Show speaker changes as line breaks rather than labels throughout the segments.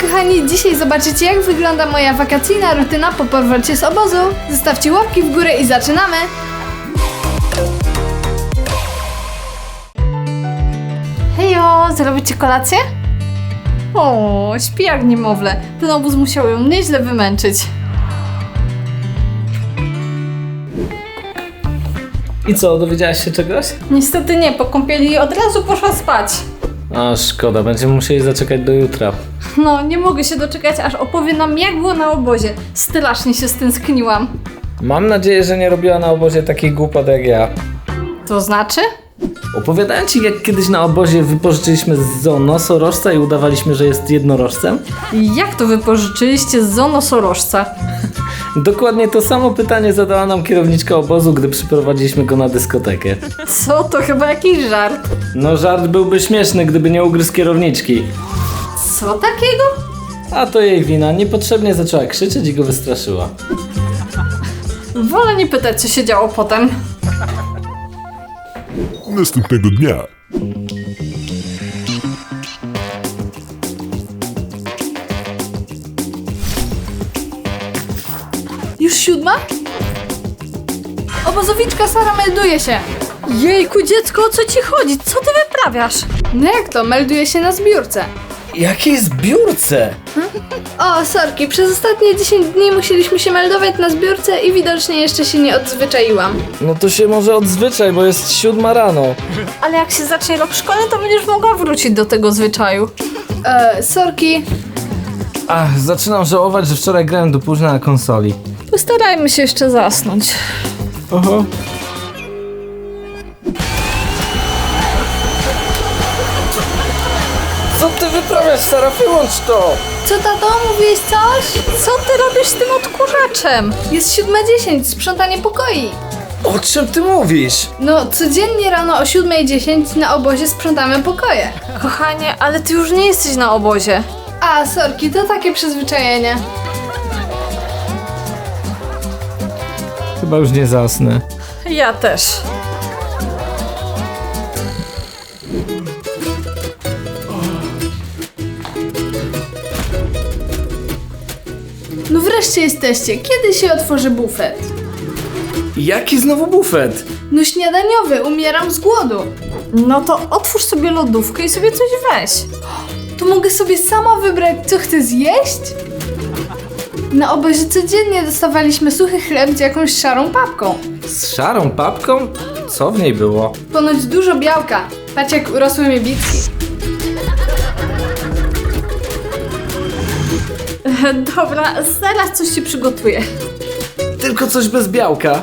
kochani, dzisiaj zobaczycie, jak wygląda moja wakacyjna rutyna po powrocie z obozu. Zostawcie łapki w górę i zaczynamy! Hejo, zrobicie kolację? O, śpi jak niemowlę. Ten obóz musiał ją nieźle wymęczyć.
I co, dowiedziałaś się czegoś?
Niestety nie, po kąpieli od razu poszła spać.
A szkoda, będziemy musieli zaczekać do jutra.
No, nie mogę się doczekać, aż opowie nam, jak było na obozie. Strasznie się stęskniłam.
Mam nadzieję, że nie robiła na obozie takich głupot jak ja.
To znaczy?
Opowiadałem ci, jak kiedyś na obozie wypożyczyliśmy z zoo nosorożca i udawaliśmy, że jest jednorożcem?
Jak to wypożyczyliście z zoo nosorożca?
Dokładnie to samo pytanie zadała nam kierowniczka obozu, gdy przyprowadziliśmy go na dyskotekę.
Co? To chyba jakiś żart.
No żart byłby śmieszny, gdyby nie ugryzł kierowniczki.
Co takiego?
A to jej wina, niepotrzebnie zaczęła krzyczeć i go wystraszyła.
Wolę nie pytać, co się działo potem.
Następnego dnia.
Już 7? Obozowiczka Sara melduje się. Jejku, dziecko, o co ci chodzi? Co ty wyprawiasz? No jak to? Melduje się na zbiórce.
Jakiej zbiórce?
O, sorki, przez ostatnie 10 dni musieliśmy się meldować na zbiórce i widocznie jeszcze się nie odzwyczaiłam.
No to się może odzwyczaj, bo jest 7 rano.
Ale jak się zacznie rok szkolny, to będziesz mogła wrócić do tego zwyczaju. Sorki.
Ach, zaczynam żałować, że wczoraj grałem do późna na konsoli.
Postarajmy się jeszcze zasnąć.
Oho. Co ty wyprawiasz, Sara? Wyłącz to!
Co, tato? Mówiłeś coś? Co ty robisz z tym odkurzaczem? Jest 7:10, sprzątanie pokoi.
O czym ty mówisz?
No, codziennie rano o 7:10 na obozie sprzątamy pokoje. Kochanie, ale ty już nie jesteś na obozie. A, sorki, to takie przyzwyczajenie.
Chyba już nie zasnę.
Ja też. No wreszcie jesteście. Kiedy się otworzy bufet?
Jaki znowu bufet?
No śniadaniowy, umieram z głodu. No to otwórz sobie lodówkę i sobie coś weź. To mogę sobie sama wybrać, co chcę zjeść? Na obozie codziennie dostawaliśmy suchy chleb z jakąś szarą papką.
Z szarą papką? Co w niej było?
Ponoć dużo białka. Patrz, jak urosły mi bitki. Dobra, zaraz coś ci przygotuję.
Tylko coś bez białka.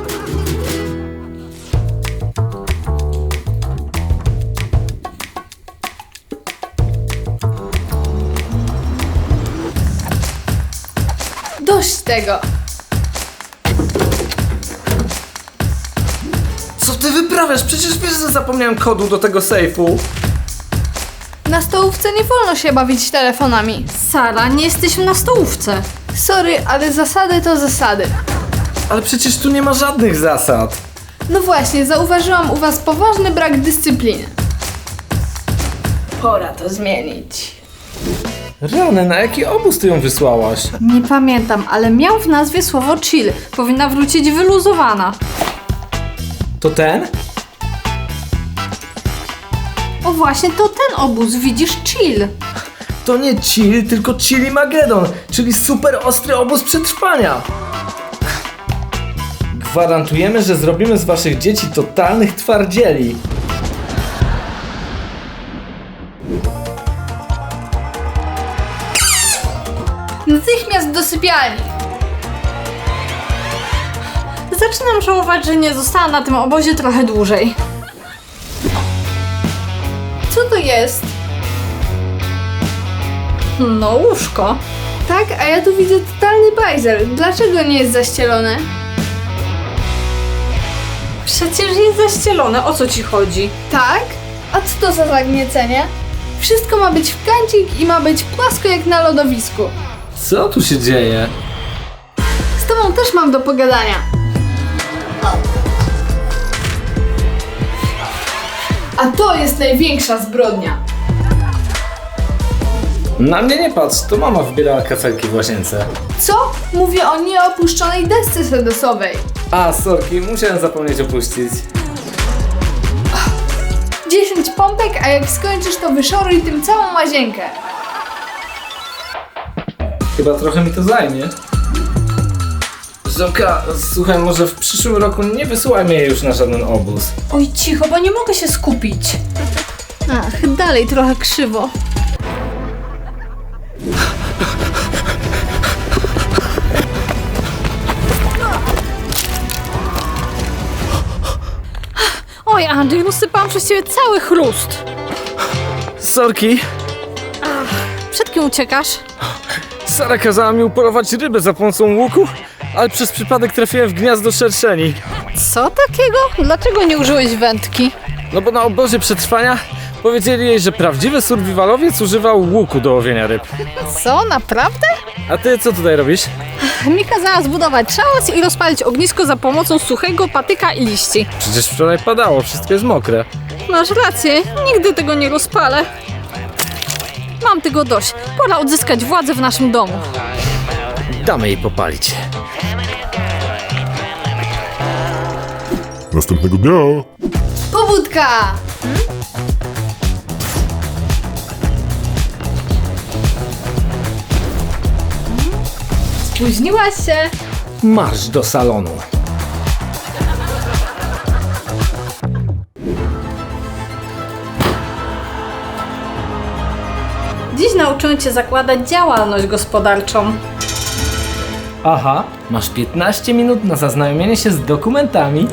Dość tego.
Co ty wyprawiasz? Przecież wiesz, że zapomniałem kodu do tego sejfu.
Na stołówce nie wolno się bawić telefonami. Sara, nie jesteśmy na stołówce. Sorry, ale zasady to zasady.
Ale przecież tu nie ma żadnych zasad.
No właśnie, zauważyłam u was poważny brak dyscypliny. Pora to zmienić.
Rany, na jaki obóz ty ją wysłałaś?
Nie pamiętam, ale miał w nazwie słowo chill. Powinna wrócić wyluzowana.
To ten?
O właśnie, to ten obóz, widzisz, chill.
To nie chill, tylko Chillimagedon, czyli super ostry obóz przetrwania. Gwarantujemy, że zrobimy z waszych dzieci totalnych twardzieli.
Natychmiast do sypialni. Zaczynam żałować, że nie zostałam na tym obozie trochę dłużej. Co to jest? No, łóżko. Tak, a ja tu widzę totalny bajzel. Dlaczego nie jest zaścielone? Przecież jest zaścielone. O co ci chodzi? Tak? A co to za zagniecenie? Wszystko ma być w kancik i ma być płasko jak na lodowisku.
Co tu się dzieje?
Z tobą też mam do pogadania. A to jest największa zbrodnia.
Na mnie nie patrz, to mama wybierała kafelki w łazience.
Co? Mówię o nieopuszczonej desce sedesowej.
A, sorki, musiałem zapomnieć opuścić.
10 pompek, a jak skończysz, to wyszoruj tym całą łazienkę.
Chyba trochę mi to zajmie. Zoka, słuchaj, może w przyszłym roku nie wysyłaj mnie już na żaden obóz.
Oj, cicho, bo nie mogę się skupić. Ach, dalej trochę krzywo. Oj, Andrzej, rozsypałam przez ciebie cały chrust.
Sorki,
Przed kim uciekasz?
Sara kazała mi upolować rybę za pomocą łuku, ale przez przypadek trafiłem w gniazdo szerszeni.
Co takiego? Dlaczego nie użyłeś wędki?
No bo na obozie przetrwania powiedzieli jej, że prawdziwy survivalowiec używał łuku do łowienia ryb.
Co, naprawdę?
A ty co tutaj robisz?
Mi kazała zbudować szałas i rozpalić ognisko za pomocą suchego patyka i liści.
Przecież wczoraj padało, wszystko jest mokre.
Masz rację, nigdy tego nie rozpalę. Mam tego dość. Pora odzyskać władzę w naszym domu.
Damy jej popalić.
Następnego dnia.
Pobudka! Spóźniłaś się.
Marsz do salonu.
Dziś nauczyłem cię zakładać działalność gospodarczą.
Aha, masz 15 minut na zaznajomienie się z dokumentami.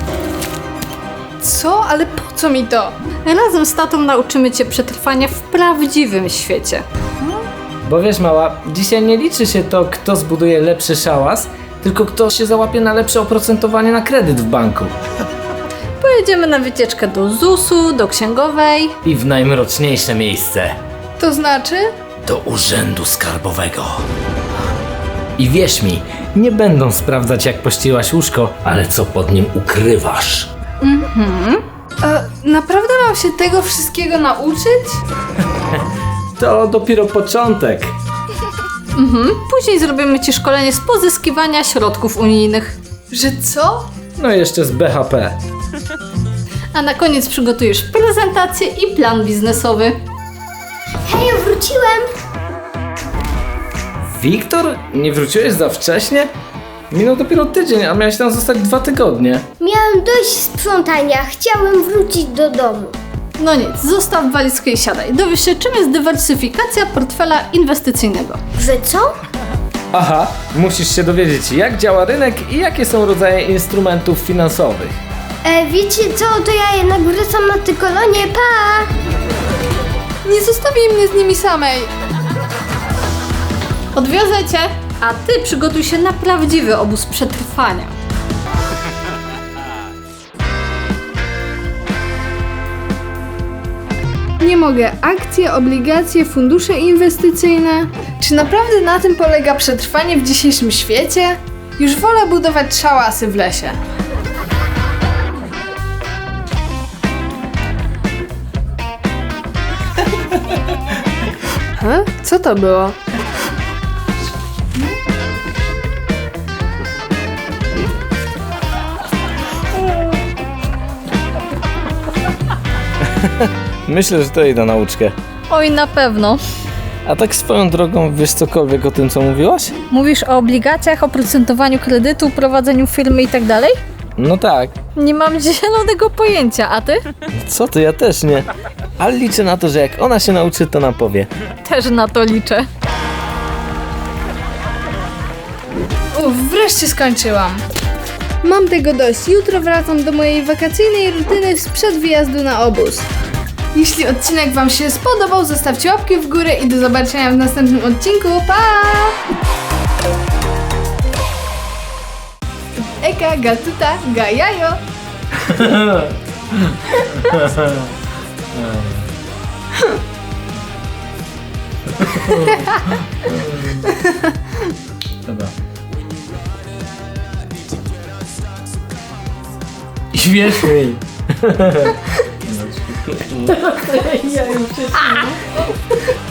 Co? Ale po co mi to? Razem z tatą nauczymy cię przetrwania w prawdziwym świecie.
Bo wiesz, mała, dzisiaj nie liczy się to, kto zbuduje lepszy szałas, tylko kto się załapie na lepsze oprocentowanie na kredyt w banku.
Pojedziemy na wycieczkę do ZUS-u, do księgowej.
I w najmroczniejsze miejsce.
To znaczy?
Do urzędu skarbowego. I wierz mi, nie będą sprawdzać, jak pościelaś łóżko, ale co pod nim ukrywasz.
Naprawdę mam się tego wszystkiego nauczyć?
To dopiero początek.
Później zrobimy ci szkolenie z pozyskiwania środków unijnych. Że co?
No jeszcze z BHP.
A na koniec przygotujesz prezentację i plan biznesowy.
Hej, wróciłem!
Wiktor, nie wróciłeś za wcześnie? Minął dopiero tydzień, a miałeś tam zostać 2 tygodnie.
Miałem dość sprzątania, chciałem wrócić do domu.
No nic, zostaw walizkę i siadaj. Dowiesz się, czym jest dywersyfikacja portfela inwestycyjnego.
Że co?
Aha, musisz się dowiedzieć, jak działa rynek i jakie są rodzaje instrumentów finansowych.
Wiecie co, to ja jednak wracam na tę kolonię, pa!
Nie zostawię mnie z nimi samej. Odwiozę cię, a ty przygotuj się na prawdziwy obóz przetrwania. Nie mogę. Akcje, obligacje, fundusze inwestycyjne. Czy naprawdę na tym polega przetrwanie w dzisiejszym świecie? Już wolę budować szałasy w lesie. Co to było?
Myślę, że to jej da nauczkę.
Oj, na pewno.
A tak swoją drogą, wiesz cokolwiek o tym, co mówiłaś?
Mówisz o obligacjach, oprocentowaniu kredytu, prowadzeniu firmy i tak dalej?
No tak.
Nie mam zielonego pojęcia, a ty?
Co ty, ja też nie. Ale liczę na to, że jak ona się nauczy, to nam powie.
Też na to liczę. Wreszcie skończyłam. Mam tego dość. Jutro wracam do mojej wakacyjnej rutyny sprzed wyjazdu na obóz. Jeśli odcinek wam się spodobał, zostawcie łapki w górę i do zobaczenia w następnym odcinku. Pa! Eka, gatuta, gajajo.
Dobra. I wierz mi.
Ja już